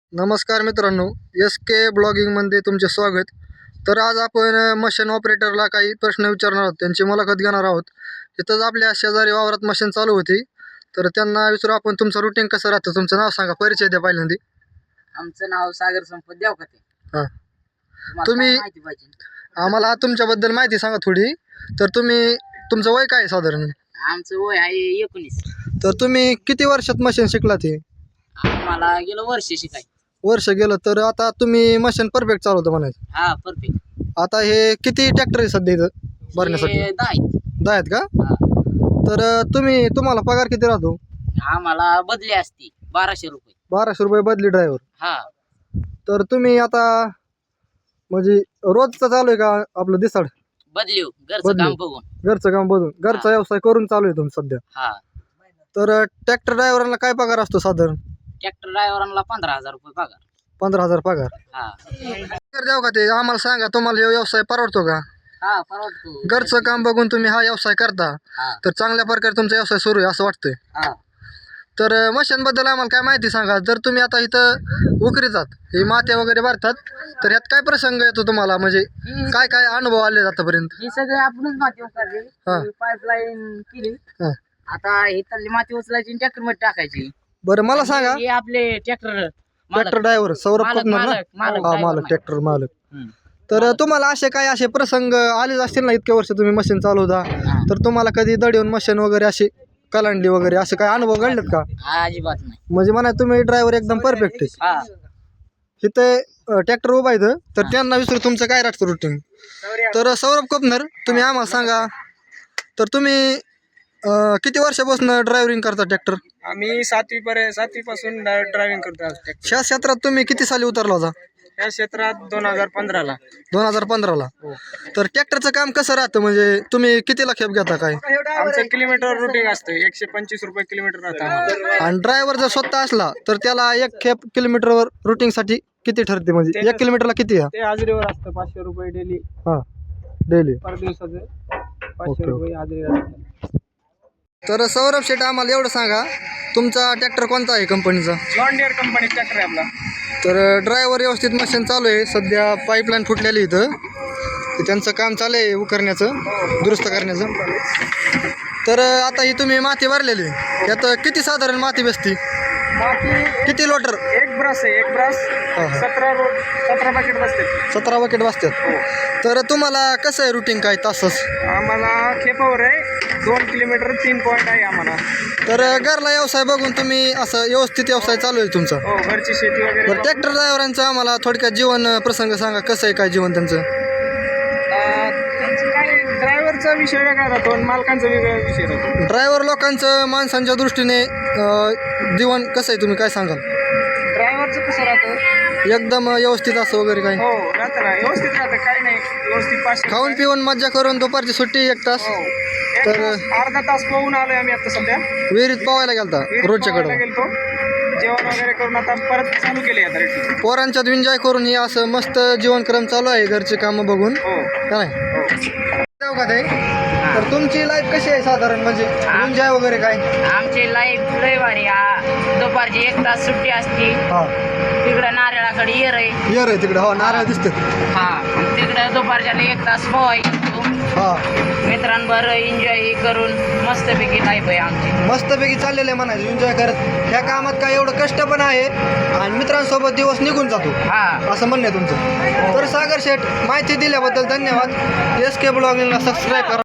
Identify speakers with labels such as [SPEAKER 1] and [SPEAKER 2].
[SPEAKER 1] नमस्कार मित्रांनो, एस के ब्लॉगिंगमध्ये तुमचे स्वागत. तर आज आपण मशीन ऑपरेटरला काही प्रश्न विचारणार आहोत, त्यांची मुलाखत घेणार आहोत. इथंच आपल्या शेजारी वावरात मशीन चालू होती, तर त्यांना विचारू आपण तुमचं रुटीन कसं राहतं. तुमचं नाव सांगा, परिचय द्या पहिल्यांदा.
[SPEAKER 2] आमचं नाव सागर संपत देवकते.
[SPEAKER 1] हां,
[SPEAKER 2] तुम्हाला
[SPEAKER 1] तुम्ही-
[SPEAKER 2] काय माहिती पाहिजे?
[SPEAKER 1] आम्हाला तुमच्याबद्दल माहिती सांगा थोडी. तर तुमचं वय काय आहे साधारण?
[SPEAKER 2] आमचं वय आहे 19.
[SPEAKER 1] तर तुम्ही किती वर्षात मशीन शिकलात? हे
[SPEAKER 2] आम्हाला गेलं वर्ष शिकाय.
[SPEAKER 1] वर्ष गेलं. तर आता तुम्ही मशीन परफेक्ट चालवतं म्हणायचं.
[SPEAKER 2] हा, परफेक्ट.
[SPEAKER 1] आता हे किती ट्रॅक्टर आहे सध्या इथं भरण्यासाठी?
[SPEAKER 2] 10
[SPEAKER 1] आहेत का?
[SPEAKER 2] हा.
[SPEAKER 1] तर तुम्हाला पगार किती राहतो?
[SPEAKER 2] आम्हाला बदली असती 1200 रुपये.
[SPEAKER 1] 1200 रुपये बदली ड्रायव्हर.
[SPEAKER 2] हा,
[SPEAKER 1] तर तुम्ही आता म्हणजे रोजचं चालू आहे का आपलं दिसाड?
[SPEAKER 2] बदली घरचं
[SPEAKER 1] बदली.
[SPEAKER 2] काम बघून.
[SPEAKER 1] घरचं काम बघून घरचा व्यवसाय करून चालू आहे तुम्ही सध्या?
[SPEAKER 2] हा,
[SPEAKER 1] तर ट्रॅक्टर ड्रायव्हरांना काय पगार असतो साधारण?
[SPEAKER 2] ट्रॅक्टर ड्रायव्हरांना 15,000 रुपये पगार.
[SPEAKER 1] 15,000 पगार.
[SPEAKER 2] हा.
[SPEAKER 1] तर द्याव का ते आम्हाला सांगा, तुम्हाला हे व्यवसाय परवडतो का?
[SPEAKER 2] हा, परवडतो.
[SPEAKER 1] घरचं काम बघून तुम्ही हा व्यवसाय करता,
[SPEAKER 2] हा.
[SPEAKER 1] तर चांगल्या प्रकारे तुमचा व्यवसाय सुरू आहे असं वाटतंय.
[SPEAKER 2] हा.
[SPEAKER 1] तर मशीन बद्दल आम्हाला काय माहिती सांगा. जर तुम्ही आता इथं उकरी जात हे मात्या वगैरे भरतात, तर यात काय प्रसंग येतो तुम्हाला? म्हणजे काय काय अनुभव आले आतापर्यंत?
[SPEAKER 2] ही सगळे आपणच माती उचलली,
[SPEAKER 1] हा.
[SPEAKER 2] पाईपलाईन केली.
[SPEAKER 1] हां,
[SPEAKER 2] आता ही तल्ली माती उचलायची ट्रॅक्टर मध्ये टाकायची.
[SPEAKER 1] बरं मला सांगा,
[SPEAKER 2] हे आपले ट्रॅक्टर
[SPEAKER 1] ट्रॅक्टर ड्रायव्हर सौरभ
[SPEAKER 2] मालक-
[SPEAKER 1] कोकणर ना?
[SPEAKER 2] मालक-
[SPEAKER 1] हा,
[SPEAKER 2] driver
[SPEAKER 1] मालक,
[SPEAKER 2] नाही.
[SPEAKER 1] ट्रॅक्टर मालक. तर तुम्हाला असे प्रसंग आलेच असतील ना, इतके वर्ष तुम्ही मशीन चालवता, तर तुम्हाला कधी दड येऊन मशीन वगैरे अशी कलांडली वगैरे असं काय अनुभव घडलेत का?
[SPEAKER 2] अजिबात नाही.
[SPEAKER 1] म्हणजे म्हणा तुम्ही ड्रायव्हर एकदम परफेक्ट आहे.
[SPEAKER 2] हा.
[SPEAKER 1] इथे ट्रॅक्टर उभा आहे तर त्यांना विचारू तुमचं काय राहतं रुटीन. तर सौरभ कोकणर, तुम्ही आम्हाला सांगा, तर तुम्ही किती वर्षापासून ड्रायव्हिंग करता ट्रॅक्टर?
[SPEAKER 3] आम्ही 7वी पासून ड्रायव्हिंग करतो आज ट्रॅक्टर.
[SPEAKER 1] ह्या क्षेत्रात तुम्ही किती साली उतरला होता?
[SPEAKER 3] या क्षेत्रात 2015ला.
[SPEAKER 1] 2015ला. तर ट्रॅक्टरचं काम कसं राहतं? म्हणजे तुम्ही कितीला खेप घेता काय?
[SPEAKER 3] आमचं किलोमीटर रुटीन असतं, 125 रुपये किलोमीटर राहतं आम्हाला.
[SPEAKER 1] आणि ड्रायव्हर जर स्वतः असला तर त्याला एक खेप किलोमीटरवर रुटीनसाठी किती ठरते? म्हणजे 1 किलोमीटरला किती?
[SPEAKER 3] ते हाजरीवर असतं, 500 रुपये डेली.
[SPEAKER 1] हां, डेली.
[SPEAKER 3] पर दिवसाचे 500
[SPEAKER 1] ओके.
[SPEAKER 3] रुपये हाजरी असतात.
[SPEAKER 1] तर सौरभ शेठ, आम्हाला एवढं सांगा, तुमचा ट्रॅक्टर कोणता आहे कंपनीचा?
[SPEAKER 3] जॉन डियर कंपनी ट्रॅक्टर आहे आपला.
[SPEAKER 1] तर ड्रायव्हर व्यवस्थित मशीन चालू आहे. सध्या पाईपलाईन फुटलेली इथं, तर त्यांचं काम चालू आहे उकरण्याचं, दुरुस्त करण्याचं. तर आता ही तुम्ही माती भरलेली, यात किती साधारण माती बसती?
[SPEAKER 3] बाकी
[SPEAKER 1] किती लोटर?
[SPEAKER 3] एक ब्रश आहे, एक ब्रश
[SPEAKER 1] हा.
[SPEAKER 3] 17 पॅकेट बसते.
[SPEAKER 1] 17 बकेट बसतात. तर तुम्हाला कसं आहे रुटीन, काय तासच?
[SPEAKER 3] आम्हाला खेपावर आहे 2 किलोमीटर 3 पॉईंट आहे आम्हाला.
[SPEAKER 1] तर घरला व्यवसाय बघून तुम्ही असं व्यवस्थित व्यवसाय चालू आहे तुमचा.
[SPEAKER 3] हो, घरची शेती वगैरे.
[SPEAKER 1] बरं, ट्रॅक्टर ड्रायव्हरांचं आम्हाला थोडक्यात जीवन प्रसंग सांगा, कसं आहे काय जीवन त्यांचं?
[SPEAKER 3] त्यांचं काय, ड्रायव्हरचा विषय वेगळा राहतो आणि मालकांचा वेगळा विषय राहतो.
[SPEAKER 1] ड्रायव्हर लोकांचं माणसांच्या दृष्टीने जीवन कसं आहे, तुम्ही काय सांगाल?
[SPEAKER 3] ड्रायव्हरचं कसं राहतं?
[SPEAKER 1] एकदम व्यवस्थित असं वगैरे काय?
[SPEAKER 3] हो, राहतं ना, व्यवस्थित राहतं, काही नाही, व्यवस्थित 500
[SPEAKER 1] खाऊन पिऊन मज्जा करून दुपारची सुट्टी 1 तास
[SPEAKER 3] हो.
[SPEAKER 1] तर
[SPEAKER 3] अर्धा तास पोहून आलोय आम्ही आता सध्या.
[SPEAKER 1] विहिरीत पोवायला गेलता
[SPEAKER 3] पोहायला
[SPEAKER 1] रोजच्याकडं.
[SPEAKER 3] गेलतो, जेवण वगैरे करून आता परत चालू केले आता रेटी.
[SPEAKER 1] पोरांच्यात एन्जॉय करून हे असं मस्त जीवनक्रम चालू आहे, घरचे कामं बघून,
[SPEAKER 3] हो
[SPEAKER 1] का नाही?
[SPEAKER 3] हो.
[SPEAKER 1] जाऊ का ते? तर तुमची लाईफ कशी आहे साधारण, म्हणजे एन्जॉय वगैरे काय?
[SPEAKER 2] आमची लाईफ लय भारी. दुपारची 1 तास सुट्टी असते.
[SPEAKER 1] हा,
[SPEAKER 2] तिकडं नारळाकडे येर आहे.
[SPEAKER 1] येर आहे तिकडं. हो, नारळ दिसतात.
[SPEAKER 2] हा, तिकडं दुपारच्या 1 तास पोहायचं,
[SPEAKER 1] हा,
[SPEAKER 2] मित्रांबरोबर एन्जॉय करून मस्तपैकी लाईफ आहे आमची.
[SPEAKER 1] मस्तपैकी चाललेलं आहे म्हणायचं, एन्जॉय करत. ह्या कामात काय एवढं कष्ट पण आहे आणि मित्रांसोबत दिवस निघून जातो,
[SPEAKER 2] हा.
[SPEAKER 1] असं म्हणणं आहे तुमचं. तर सागर शेठ, माहिती दिल्याबद्दल धन्यवाद. एस के ब्लॉगिंगला सबस्क्राईब करा.